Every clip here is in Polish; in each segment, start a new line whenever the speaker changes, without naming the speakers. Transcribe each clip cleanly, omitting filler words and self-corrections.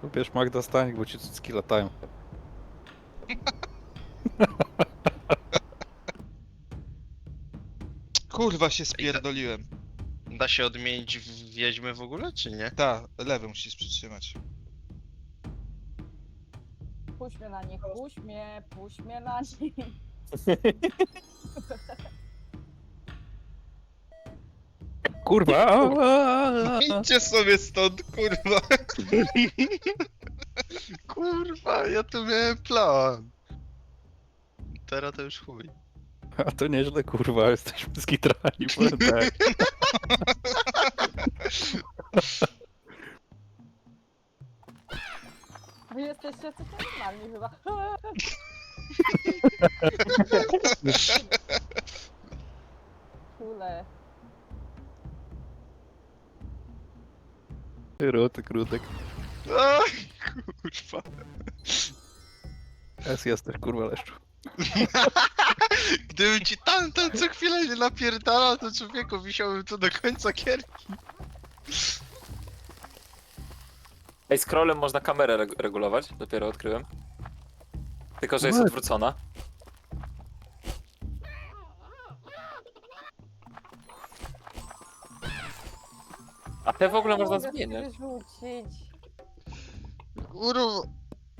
Wiesz, Magda, stań, bo ci cycki latają.
Kurwa się spierdoliłem.
Da się odmienić w wiedźmy w ogóle, czy nie?
Ta, lewy musisz przytrzymać.
Puść mnie na nich, puść mnie na nich.
Kurwa!
Idźcie sobie stąd, kurwa. Kurwa, ja tu miałem plan. Teraz to już chuj.
A to nieźle, kurwa, jesteśmy skitrani, powiem tak.
Wy jesteście coś normalni chyba. Kule.
Rutek, rutek.
Ach, kurwa.
Jesteś, kurwa, leszczu.
Gdybym ci tamten co chwilę nie napierdalał, to człowieku wisiałbym tu do końca gierki.
Ej, scrollem można kamerę regulować, dopiero odkryłem. Tylko, że jest
No.
odwrócona. A te w ogóle można
Mogę
zmieniać.
wyrzucić.
Kurwa.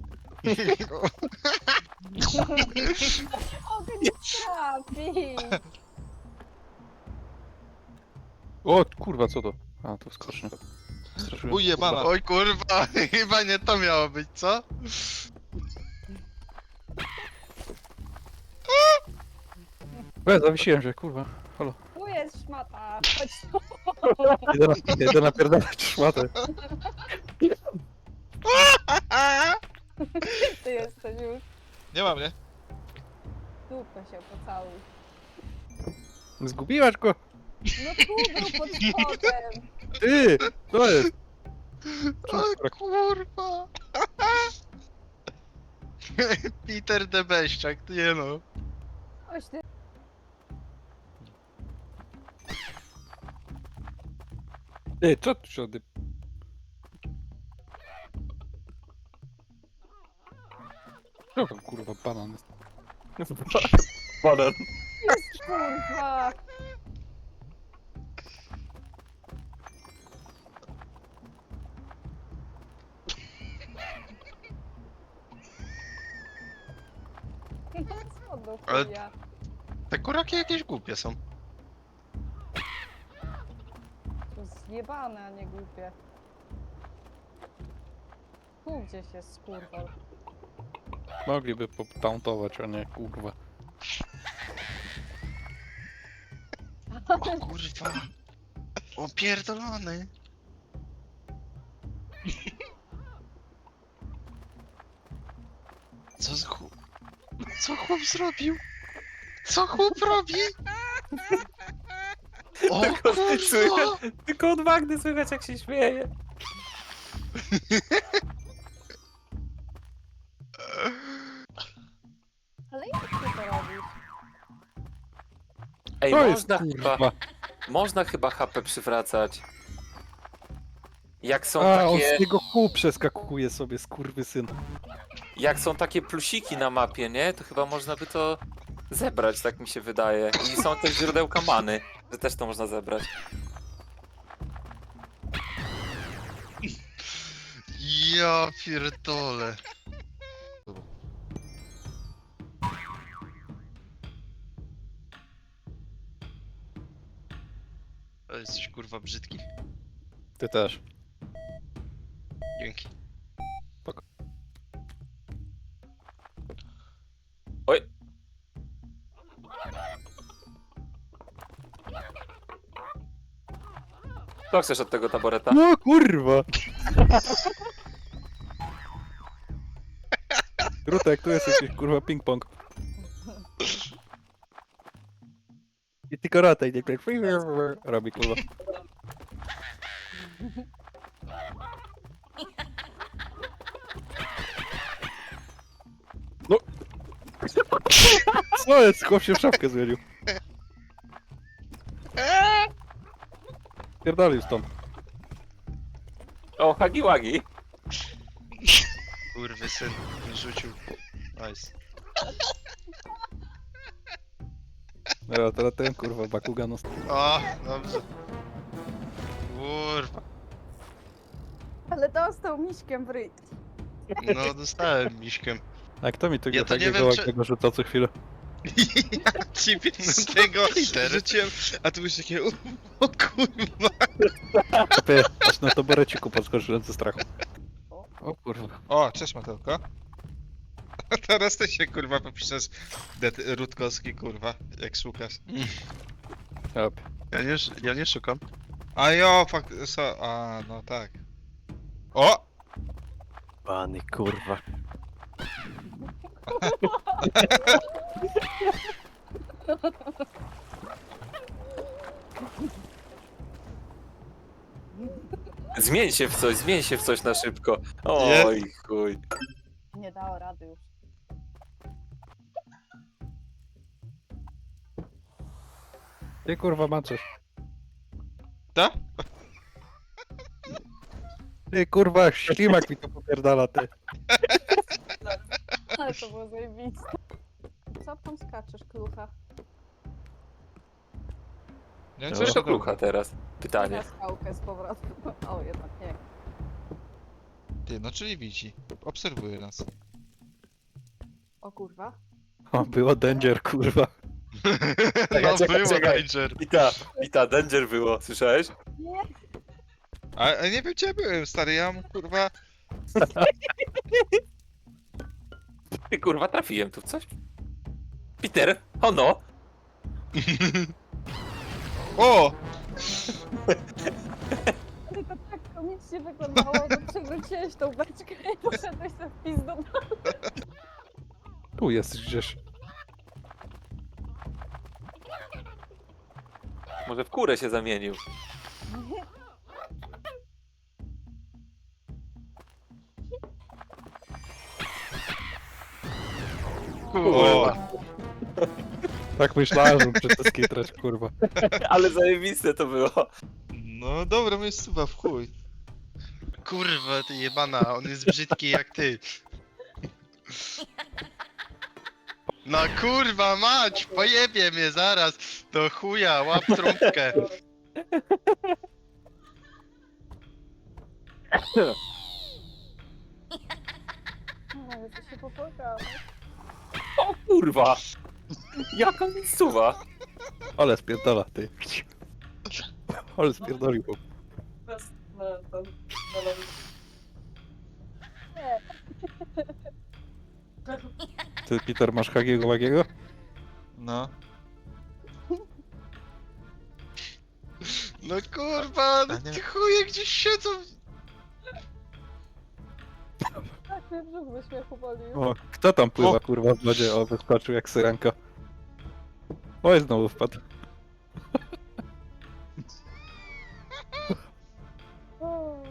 Mogę nie trafić.
O, kurwa, co to? A, to skocznia. Straszyłem.
Ujebana.
Oj kurwa, chyba nie to miało być, co?
Zawiesiłem się, kurwa. Halo.
Tu jest szmata. Chodź tu.
Idę napierdalać szmatę.
Ty jesteś już.
Nie mam, nie?
Dupę się pocałuj.
Zgubiłaś go?
No tu był pod spodem.
Ty! Co jest?
O kurwa. Peter de Beściak, nie no.
Oś ty.
Ty, co tu się oddy... Co tam, kurwa, banan jest?
Banan.
Jest kurwa. Co do
Ale-
chuja?
Te kuraki jakieś głupie są.
To zjebane, a nie głupie. Tu gdzieś jest skurwol.
Mogliby potauntować, a nie, kurwa.
O kurwa. O pierdolony. Co z chłop... Co chłop zrobił? Co chłop robi? O kurwa!
Tylko od Magdy słychać, jak się śmieje.
Ale jak ty to robisz?
Ej,
To jest,
można
kurwa.
chyba HP przywracać. Jak są
A, on
takie...
z niego kół przeskakuje sobie, skurwysyn.
Jak są takie plusiki na mapie, nie? To chyba można by to zebrać, tak mi się wydaje. I są też źródełka many, że też to można zebrać.
Ja pierdolę. To jesteś kurwa brzydki.
Ty też.
Dzięki.
Oj! Co chcesz od tego taboreta?
No, kurwa! Rutek, tu jest jakiś, kurwa, ping-pong. I tylko rataj, nie tak robi, kurwa. No! Co jest? Chłop się w szafkę zmienił. Pierdolił stąd.
O, Hagi Wagi!
Kurwy syn rzucił. Nice.
No, teraz ten kurwa Bakugan.
O, dobrze. Kurwa.
Ale dostał miśkiem w ryj.
No dostałem miśkiem.
A kto mi tego
Ja to nie
takiego
wiem, czy-
ładnego rzuca co chwilę?
Ja ci 15 rzuciłem, a tu już takie o kurwa.
Ty, aż na toboreciku podskoczyłem ze strachu. O kurwa.
O, cześć Matelko. A teraz ty się kurwa popiszesz Rutkowski kurwa, jak szukasz.
Op.
Ja nie szukam.
A jo, fakt, a no tak. O!
Pany kurwa.
Zmień się w coś na szybko.
Nie.
Oj, chuj.
Nie dało rady już.
Ty kurwa maczysz.
Ta?
Ty kurwa ślimak mi to popierdala ty.
Ale to było zajebiste. Co tam skaczesz, klucha?
Nie,
No.
Coś to klucha teraz. Pytanie.
Na skałkę z powrotem. O, jednak nie.
Ty, no czyli widzi. Obserwuje nas.
O kurwa.
O, było danger kurwa.
No
czekaj,
było
czekaj.
Danger.
I ta danger było, słyszałeś?
Nie.
A nie wiem gdzie ja byłem, stary, ja mam kurwa...
Ty kurwa, trafiłem tu w coś. Peter, ono!
O!
Ale to tak komicznie wyglądało, że przewróciłeś tą beczkę i poszedłeś na wpis do domu.
Tu jest gdzieś.
Może w kurę się zamienił.
Kurwa.
Tak myślałem, że muszę to skitrać kurwa.
Ale zajebiste to było.
No dobra, miejscowa w chuj.
Kurwa, ty jebana, on jest brzydki jak ty. No kurwa mać, pojebie mnie zaraz. Do chuja, łap trąbkę.
Ale to się popłakało.
O kurwa! Jaka miejscowa!
Ale spierdala ty. Ale spierdolił chłop.
Nie.
Ty Peter masz Hagiego Wagiego?
No.
No kurwa, no
A nie-
ty chuje gdzieś siedzą.
Tak mnie brzuch ze śmiechu boli.
O, kto tam pływa kurwa w wodzie? O, wyskoczył jak syrenka. Oj, znowu wpadł.
O,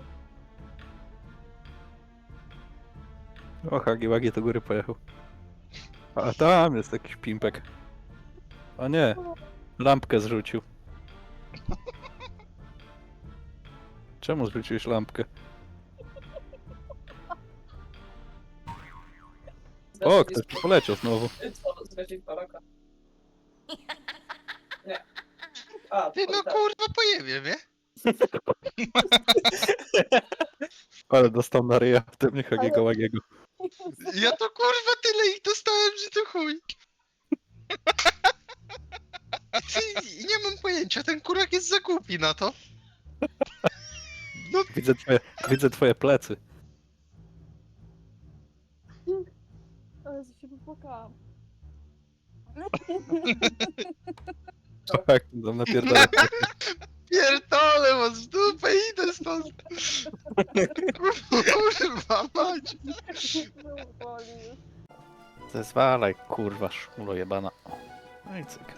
O, Hagi Wagi do góry pojechał. A tam jest jakiś pimpek. O nie, lampkę zrzucił. Czemu zrzuciłeś lampkę? O, ktoś tu poleciał znowu.
Nie. A,
Ty no kurwa pojebie mnie.
Ale dostał na ryja w tym Hagiego Wagiego.
Ja to kurwa tyle ich dostałem, że to chuj. Ty, nie mam pojęcia, ten kurak jest za głupi na to. No
Widzę twoje plecy.
ale się popłakałam.
Tak, tam napierdala.
pierdolę was w dupę, idę stąd. Kurwa mać.
Brzuch boli już.
Zezwalaj, kurwa, szmulo jebana. No i cyk.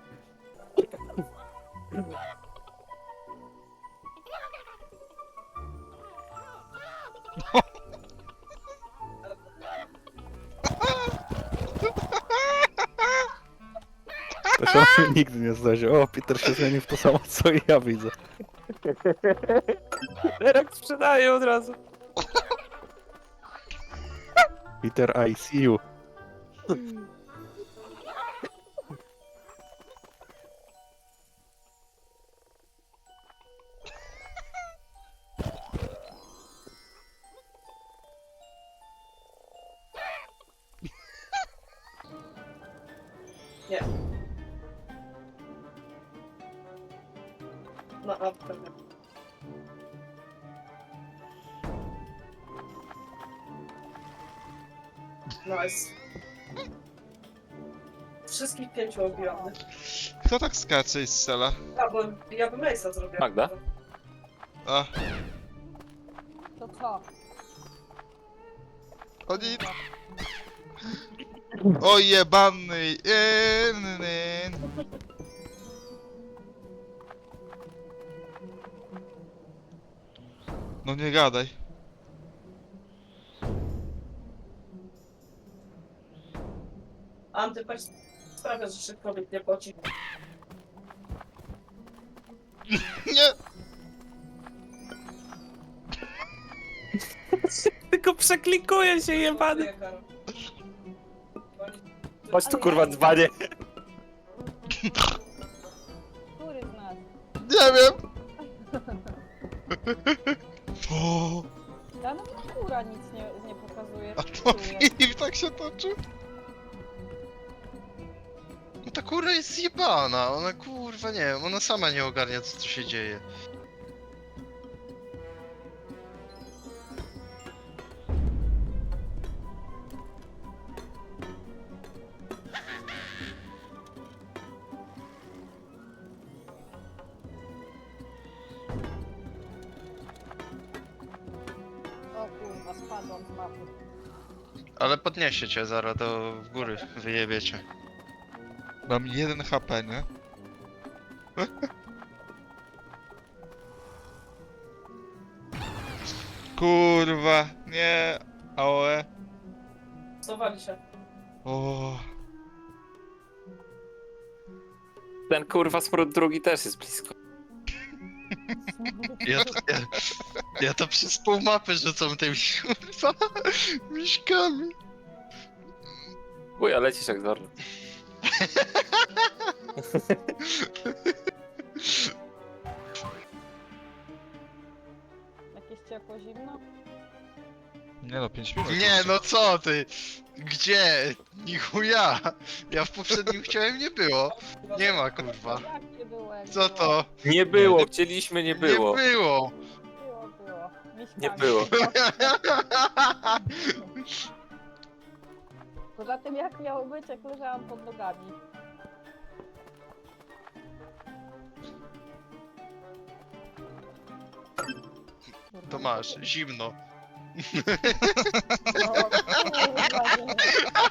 To się nigdy nie zdarzy. O, Peter się zmienił w to samo, co i ja widzę.
Derek sprzedaje od razu.
Peter, I see you.
Nie. No, a pewnie. Nice. Wszystkich 5 obiłam.
Kto tak skacze i strzela?
A, bo ja bym Ace'a zrobiła.
Magda?
A,
To co?
oni... O jebany! No nie gadaj.
Antypać sprawia, że się kobiet nie poci.
Nie!
Tylko przeklikuję się jebany.
Nie, Karol.
Chodź tu kurwa dzbanie.
Który z nas?
Nie wiem! O,
Ja no góra nic nie pokazuje.
a to film tak się toczy?
No ta kurwa jest zjebana, ona kurwa nie wiem, ona sama nie ogarnia co tu się dzieje.
O kurwa, spadłam z mapy.
Ale podniesie cię zaraz do w góry, wyjebiecie.
Mam 1 HP, nie? Kurwa, nie. Aoe.
Cofali się.
O,
Ten kurwa smród drugi też jest blisko.
Ja to przez pół mapy rzucam tymi kurwa miśkami.
Uj, a lecisz jak Zorn.
Jakieś ciepło, zimno?
nie no, 5 minut.
Nie no co ty? Gdzie? Nichuja! Ja w poprzednim chciałem nie było. Nie ma kurwa.
Jak nie było, jak
Co
było?
to?
Nie było, chcieliśmy, nie było.
Nie było.
Było. Miśkami.
Nie było.
Poza tym jak miało być, jak leżałam pod nogami.
To masz, zimno.
No, kurwa, nie.